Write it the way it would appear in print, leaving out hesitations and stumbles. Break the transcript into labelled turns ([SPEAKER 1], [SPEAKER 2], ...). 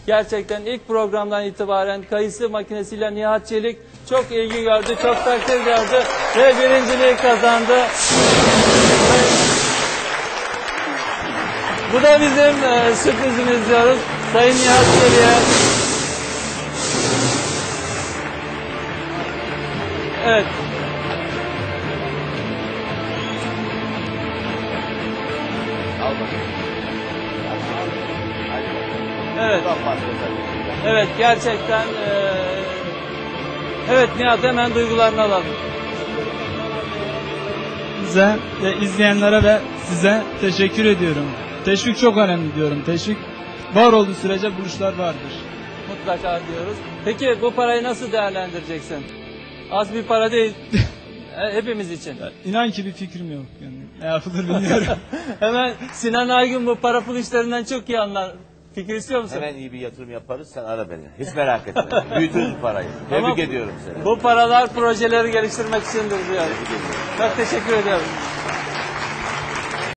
[SPEAKER 1] Gerçekten ilk programdan itibaren kayısı makinesiyle Nihat Çelik çok ilgi gördü, çok takdir gördü ve birinciliği kazandı. Bu da bizim sürprizimiz diyoruz Sayın Nihat Çelik'e. Evet. Evet. Evet, gerçekten evet Nihat, hemen duygularını alalım.
[SPEAKER 2] Size ve izleyenlere ve size teşekkür ediyorum. Teşvik çok önemli diyorum. Teşvik var olduğu sürece buluşlar vardır.
[SPEAKER 1] Mutlaka diyoruz. Peki bu parayı nasıl değerlendireceksin? Az bir para değil. Hepimiz için.
[SPEAKER 2] İnan ki bir fikrim yok. Yani ne yapılır bilmiyorum.
[SPEAKER 1] Hemen Sinan Aygün bu para pul işlerinden çok iyi anlar. Fikir istiyor musun?
[SPEAKER 3] Hemen iyi bir yatırım yaparız, sen ara beni. Hiç merak etme. Büyütürüz parayı. Tebrik ediyorum seni.
[SPEAKER 1] Bu paralar projeleri geliştirmek içindir diyor. Çok teşekkür ediyorum.